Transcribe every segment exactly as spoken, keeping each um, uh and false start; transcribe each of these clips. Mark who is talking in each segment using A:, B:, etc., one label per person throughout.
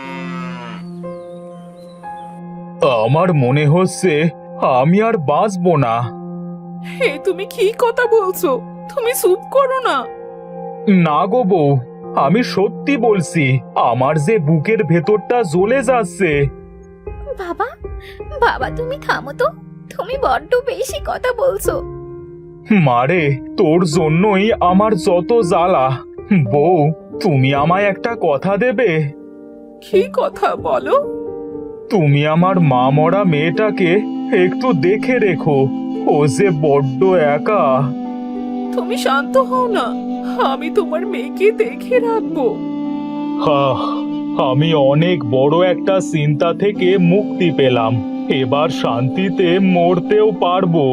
A: আমার মনে হচ্ছে আমি আর বাঁচবো না।
B: হে, তুমি কি কথা বলছো? তুমি চুপ করো না।
A: না গো বউ, আমি সত্যি বলছি, আমার যে বুকের ভেতরটা জ্বলে যাচ্ছে।
C: বাবা, বাবা তুমি থামো তো, তুমি বড্ড বেশি কথা বলছো।
A: মারে, তোর জন্যই আমার যত জ্বালা। বউ, তুমি আমায় একটা কথা দেবে?
B: কি কথা বলো?
A: তুমি আমার মা মরা মেয়েটাকে একটু দেখে রেখো, ও যে বড্ড একা।
B: তুমি শান্ত হও না, আমি তোমার মেয়েকে দেখে রাখবো।
A: হাহ, আমি অনেক বড় একটা চিন্তা থেকে মুক্তি পেলাম, এবার শান্তিতে মরতেও পারবো।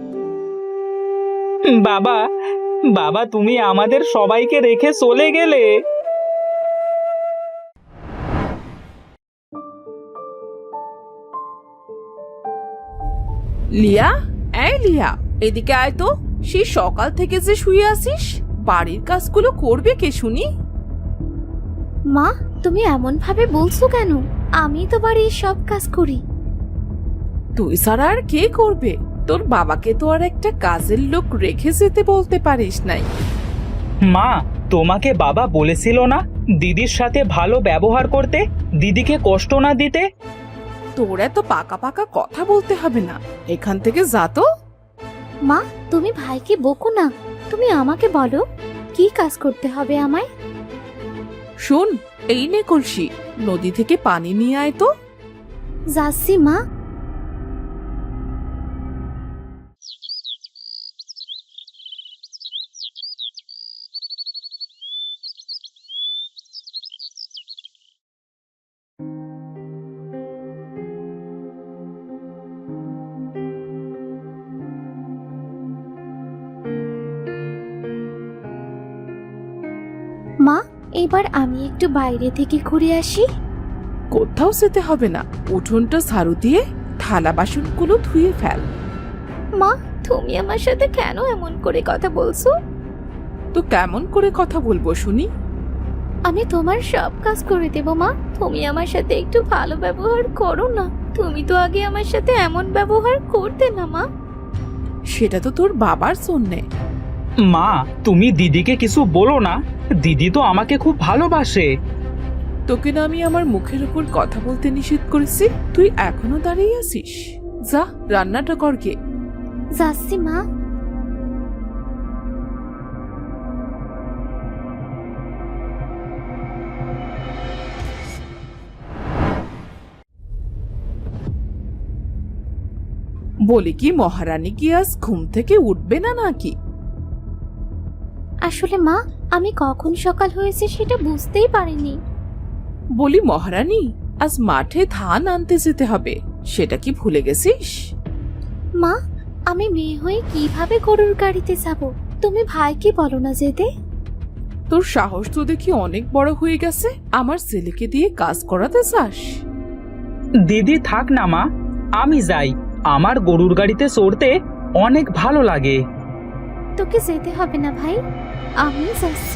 D: বাবা, বাবা তুমি আমাদের সবাইকে রেখে চলে গেলে।
B: লিয়া, এই লিয়া, এদিকে আয় তো। সেই সকাল থেকে যে শুয়ে আছিস, বাড়ির কাজগুলো করবে কে শুনি?
C: মা, তুমি এমন ভাবে বলছো কেন? আমি তো বাড়ির সব কাজ করি।
B: তুই ছাড়া আর কে করবে? তোর বাবাকে তো আর একটা কাজের লোক রেখে যেতে বলতে পারিস নাই।
D: মা, তোমাকে বাবা বলেছিল না দিদির সাথে ভালো ব্যবহার করতে, দিদিকে কষ্ট না দিতে?
B: তোর এত পাকা পাকা কথা বলতে হবে না, এখান থেকে যা তো।
C: মা, তুমি ভাইকে বকো না, তুমি আমাকে বলো কি কাজ করতে হবে আমায়।
B: শোন, এই নে কলসি, নদী থেকে পানি নিয়ে আয় তো।
C: যাচ্ছি মা। মা, এবার আমি একটু বাইরে থেকে ঘুরে আসি।
B: কোথাও যেতে হবে না, উঠোনটা ঝাড়ু দিয়ে থালা বাসনগুলো ধুয়ে ফেল।
C: মা, তুমি আমার সাথে কেন এমন করে কথা বলছো?
B: তো কেমন করে কথা বলবো শুনি?
C: আমি তোমার সব কাজ করে দেব মা, তুমি আমার সাথে একটু ভালো ব্যবহার করো না। তুমি তো আগে আমার সাথে এমন ব্যবহার করতে না মা।
B: সেটা তো তোর বাবার জন্যে।
D: মা, তুমি দিদিকে কিছু বলো না, দিদি তো আমাকে খুব ভালোবাসে।
B: তোকে না আমি আমার মুখের উপর কথা বলতে নিষেধ করেছি, তুই এখনো দাঁড়িয়ে আছিস? যা, রান্নাটা কর গে।
C: যাচ্ছি মা।
B: বলি কি, মহারানী কি আজ ঘুম থেকে উঠবে না নাকি?
C: আসলে মা, আমি কখন সকাল হয়েছে সেটা বুঝতেই পারিনি।
B: বলি মহারানী, আজ মাঠে ধান আনতে যেতে হবে, সেটা কি ভুলে গেছিস?
C: মা, আমি মেয়ে হয়ে কিভাবে গরুর গাড়িতে যাব? তুমি ভাইকে বলো না যেতে।
B: তোর সাহস তো দেখি অনেক বড় হয়ে গেছে, আমার ছেলেকে দিয়ে কাজ করাতে চাস?
D: দিদি থাক না মা, আমি যাই, আমার গরুর গাড়িতে চড়তে অনেক ভালো লাগে।
C: তোকে যেতে হবে না ভাই, আমি যাচ্ছি।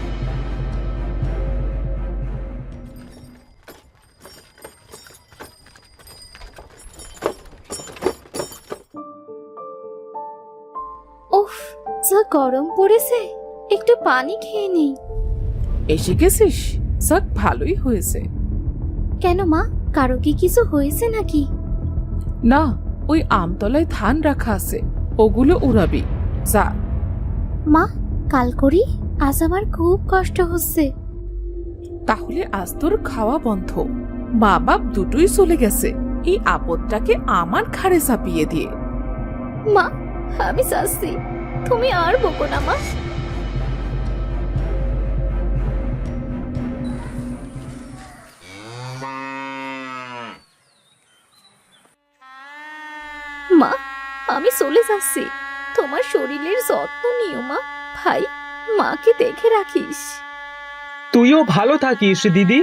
C: উফ, যা গরম পড়েছে, একটু পানি খেয়ে নেই।
B: এসে গেছিস? যাক, ভালোই হয়েছে।
C: কেন মা, কারো কি কিছু হয়েছে নাকি?
B: না, ওই আমতলায় ধান রাখা আছে, ওগুলো উড়াবি, যা।
C: মা, কাল করি, আজ আমার খুব কষ্ট হচ্ছে।
B: তাহলে আজ তোর খাওয়া বন্ধ, মা বাপ দুটোই চলে গেছে, এই আপদটাকে আমার ঘাড়ে চাপিয়ে দিয়ে।
C: মা, আমি যাচ্ছি, তুমি আর বকো না মা। মা, আমি চলে যাচ্ছি, তোমার শরীরের যত্ন নিও মা। ভাই, মাকে দেখে রাখিস।
D: তুইও ভালো থাকিস দিদি।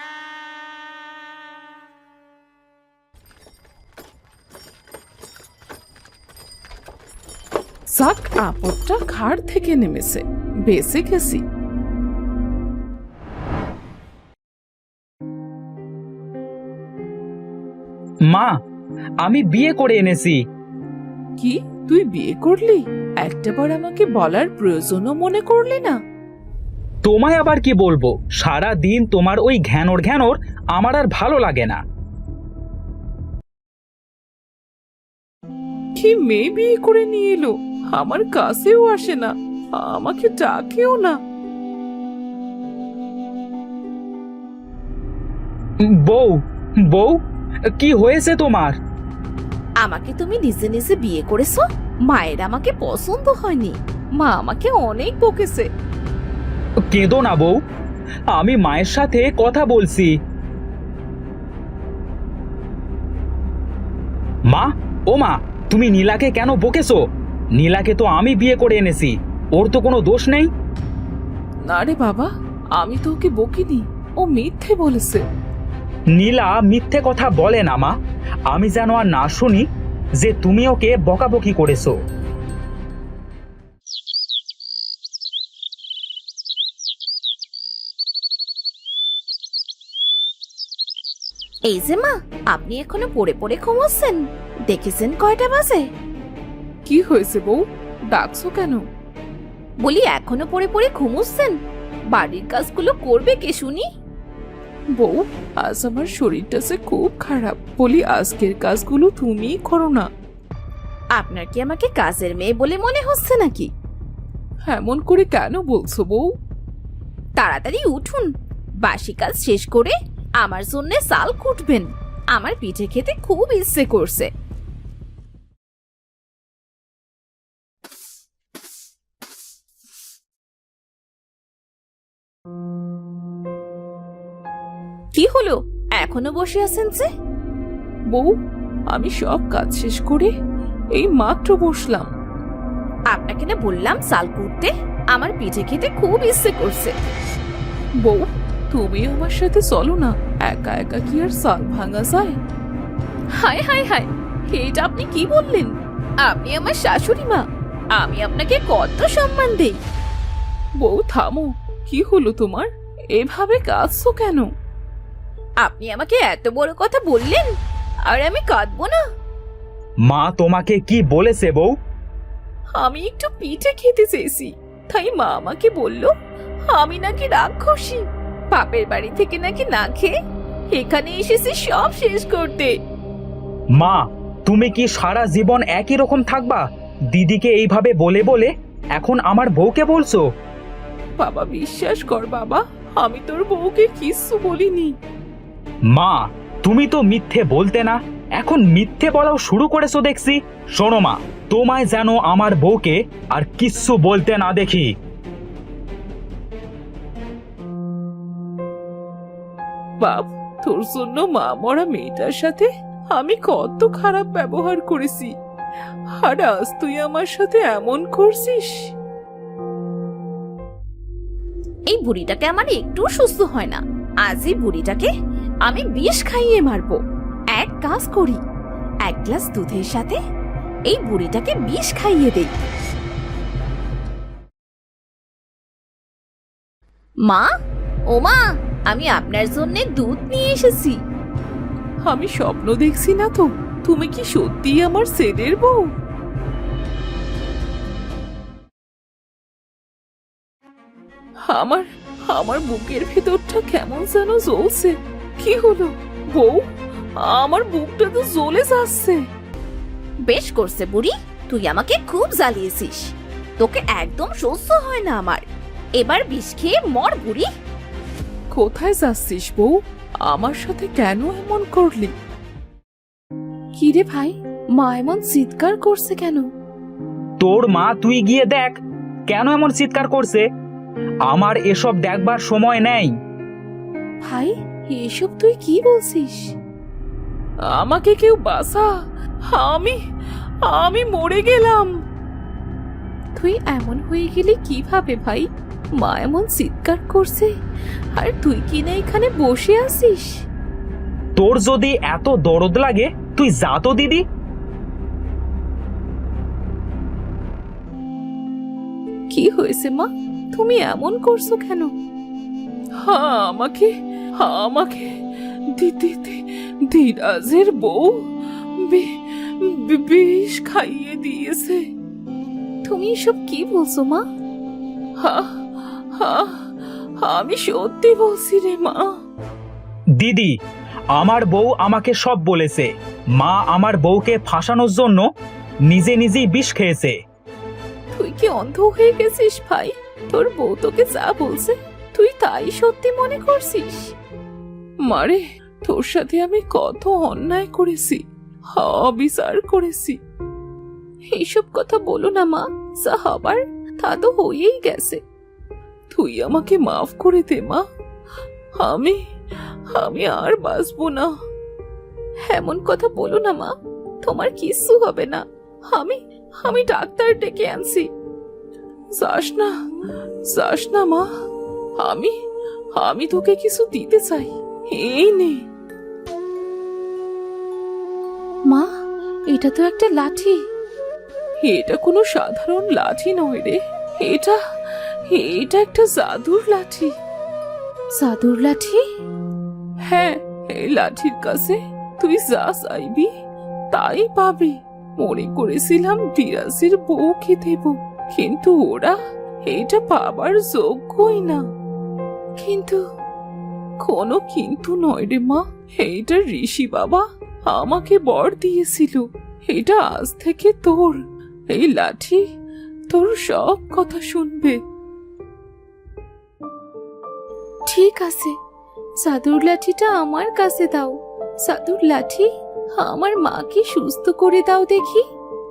B: যাক, আপদটা ঘাড় থেকে নেমেছে, বেঁচে গেছি।
D: মা, আমি বিয়ে করে এনেছি।
B: কি, তুই বিয়ে করলি? একটাবার আমাকে বলার প্রয়োজনও মনে করলি না?
D: তোমায় আবার কি বলবো, সারা দিন তোমার ওই ঘ্যানোর ঘ্যানোর আমার আর ভালো লাগে না।
B: কি মেয়ে বিয়ে করে নিয়ে এলো, আমার কাছেও আসে না, আমাকে ডাকেও না।
D: বউ, বউ, কি হয়েছে তোমার?
C: আমাকে তুমি নিজে নিজে বিয়ে করেছো? মায়ের আমাকে পছন্দ হয়নি, মা আমাকে অনেক বকেছে।
D: কেঁদো না বউ, আমি মায়ের সাথে কথা বলছি। মা, ও মা, তুমি নীলাকে কেন বকেছো? নীলাকে তো আমি বিয়ে করে এনেছি, ওর তো কোনো দোষ নেই।
B: না রে বাবা, আমি তো ওকে বকিনি, ও মিথ্যে বলেছে।
D: নীলা মিথ্যে কথা বলে না মা, আমি যেন আর না শুনি যে তুমি ওকে বকাবকি করেছো।
C: এই যে মা, আপনি এখনো পড়ে পড়ে ঘুমোচ্ছেন? দেখেছেন কয়টা বাজে?
B: কি হয়েছে বউ, ডাকছো কেন?
C: বলি এখনো পড়ে পড়ে ঘুমোচ্ছেন? বাড়ির কাজগুলো করবে কে শুনি?
B: বউ, আজ আমার শরীরটা যে খুব খারাপ, বলি আজকের কাজগুলো তুমিই করো না।
C: আপনার কি আমাকে কাজের মেয়ে বলে মনে হচ্ছে নাকি?
B: এমন করে কেন বলছো বউ?
C: তাড়াতাড়ি উঠুন, বাসি কাজ শেষ করে আমার জন্য চাল কুটবেন, আমার পিঠে খেতে খুব ইচ্ছে করছে। কি হলো, এখনো বসে আছেন যে?
B: বউ, আমি সব কাজ শেষ করে এই মাত্র বসলাম।
C: আপনাকে না বললাম চাল কুটতে, আমার পিঠে খেতে খুব ইচ্ছে করছে।
B: বউ, তুমি আমার সাথে চলো না, একা একা কি আর চাল ভাঙা যায়?
C: হায় হায় হায়, এটা আপনি কি বললেন? আপনি আমার শাশুড়ি মা, আমি আপনাকে কত সম্মান দেই।
B: বউ থামো, কি হলো তোমার? এভাবে কাঁদছো কেন?
C: আপনি আমাকে এত বড় কথা বললেন, আর আমি কাঁদবো না?
D: মা তোমাকে কি বলেছে বউ?
B: আমি একটু পিঠে খেতে চেয়েছি, তাই মা আমাকে বলল আমি নাকি রাক্ষসী, বাপের বাড়ি থেকে নাকি না খেয়ে এখানে এসেছি সব শেষ করতে।
D: মা, তুমি কি সারা জীবন একই রকম থাকবা? দিদিকে এইভাবে বলে বলে এখন আমার বউকে বলছো?
B: বাবা বিশ্বাস কর বাবা, আমি তোর বউকে কিচ্ছু বলিনি।
D: মা, তুমি তো মিথ্যে বলতে না, এখন মিথ্যে বলাও শুরু করেছো দেখছি। শোনো মা, তোমায় যেন আমার বউকে আর কিচ্ছু বলতে না দেখি।
B: বাপ, তোর জন্য মা মরা মেয়েটার সাথে আমি কত খারাপ ব্যবহার করেছি, আর আজ তুই আমার সাথে এমন করছিস।
C: এই বুড়িটাকে আমার একটু সুস্থ হয় না, আজ এই বুড়িটাকে আমি বিষ খাইয়ে মারবো। এক কাজ করি, এক গ্লাস দুধের সাথে এই বুড়িটাকে বিষ খাইয়ে দেই। মা, ও মা, আমি আপনার জন্য দুধ নিয়ে এসেছি।
B: আমি স্বপ্ন দেখছি না তো? তুমি কি সত্যি আমার ছেলের বউ? আমার আমার বুকের ভেতরটা কেমন যেন জ্বলছে। কি হলো বউ? আমার বুকটা তো জ্বলে যাচ্ছে।
C: বেশ করছে বুড়ি, তুই আমাকে খুব জ্বালিয়েছিস, তোকে একদম সহ্য হয় না আমার। এবার বিষ খেয়ে মর বুড়ি।
B: কোথায় যাচ্ছিস বউ? আমার সাথে কেন এমন করলি? কি রে ভাই, মা এমন চিৎকার করছে কেন?
D: তোর মা তুই গিয়ে দেখ কেন এমন চিৎকার করছে। আমার এসব দেখবার সময় নেই।
B: ভাই, এসব তুই কি বলছিস? আমাকে কেউ বাঁচা, আমি আমি মরে গেলাম। তুই এমন হয়ে গেলি কিভাবে ভাই? মা এমন চিৎকার করছে আর তুই কিনা এখানে বসে আছিস।
D: তোর যদি এত দরদ লাগে তুই যা তো দিদি।
B: কি হয়েছে মা, তুমি এমন করছো কেন? হ্যাঁ, আমাকে আমাকে দিদি ধীরাজের বউ বি- বি- বিষ খাইয়ে দিয়েছে।
C: তুমি এসব কি বলছো মা?
B: হা হা আমি সত্যি বলছি রে মা।
D: দিদি, আমার বউ আমাকে সব বলেছে। মা আমার বউকে ফাঁসানোর জন্য নিজে নিজেই বিষ খেয়েছে।
B: তুই কি অন্ধ হয়ে গেছিস ভাই? তোর বউ তোকে যা বলছে তুই তাই সত্যি মনে করছিস? মারে, তোর সাথে আমি কত অন্যায় করেছি, অবিচার করেছি। এইসব কথা বলো না মা, যা হবার তা তো হয়েই গেছে। তুই আমাকে মাফ করে দে মা। আমি আমি আর বাঁচবো না। এমন কথা বলো না মা, তোমার কিচ্ছু হবে না। আমি আমি ডাক্তার ডেকে আনছি। যাস না, যাস না মা। আমি আমি তোকে কিছু দিতে চাই, এই নে।
C: মা, এটা তো একটা লাঠি।
B: এটা কোনো সাধারণ লাঠি নয় রে, এটা এটা একটা জাদুর লাঠি।
C: জাদুর লাঠি?
B: হ্যাঁ, এই লাঠির কাছে তুই যা চাইবি তাই পাবি। মনে করেছিলাম বিরাজের বউকে দেব, কিন্তু ওরা এটা পাবার যোগ্যই না। কিন্তু কোনো কিন্তু নয় রে মা, এইটা ঋষি বাবা আমাকে বর দিয়েছিল। এটা আজ থেকে তোর। এই লাঠি তোর সব কথা শুনবে।
C: ঠিক আছে, জাদুর লাঠিটা আমার কাছে দাও। জাদুর লাঠি, আমার মাকে সুস্থ করে দাও দেখি।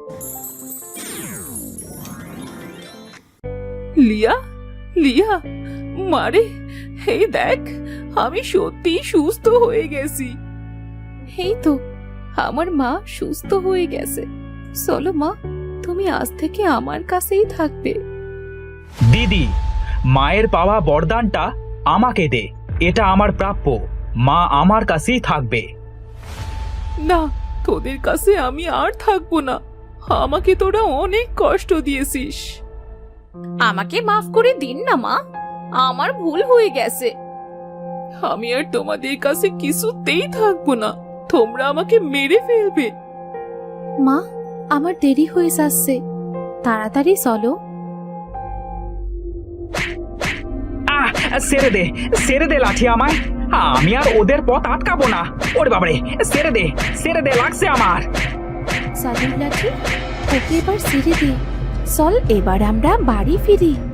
B: লিয়া, লিয়া, মারে, এই দেখ, আমি সত্যি সুস্থ হয়ে গেছি।
C: এই তো, আমার মা সুস্থ হয়ে গেছে। চলো মা, তুমি আজ থেকে আমার কাছেই থাকবে।
D: দিদি, মায়ের পাওয়া বরদানটা আমাকে দে। এটা আমার প্রাপ্য। মা আমার কাছেই থাকবে।
B: না, তোদের কাছে আমি আর থাকবো না। আমাকে তোরা অনেক কষ্ট দিয়েছিস।
C: আমাকে মাফ করে দিন না মা, আমার ভুল হয়ে গেছে।
B: আমি আর তোমাদের কাছে কিছুতেই থাকবো না। তোমরা আমাকে মেরে ফেলবে।
C: মা, আমার দেরি হয়ে যাচ্ছে, তাড়াতাড়ি চলো।
D: আহ, ছেড়ে দে, ছেড়ে দে লাঠি আমায়। আমি আর ওদের পথ আটকাবো না। ওরে বাবারে, ছেড়ে দে, ছেড়ে দে, লাগছে আমার।
C: জাদুর লাঠি, ওকে এবার ছেড়ে দে। চল এবার আমরা বাড়ি ফিরি।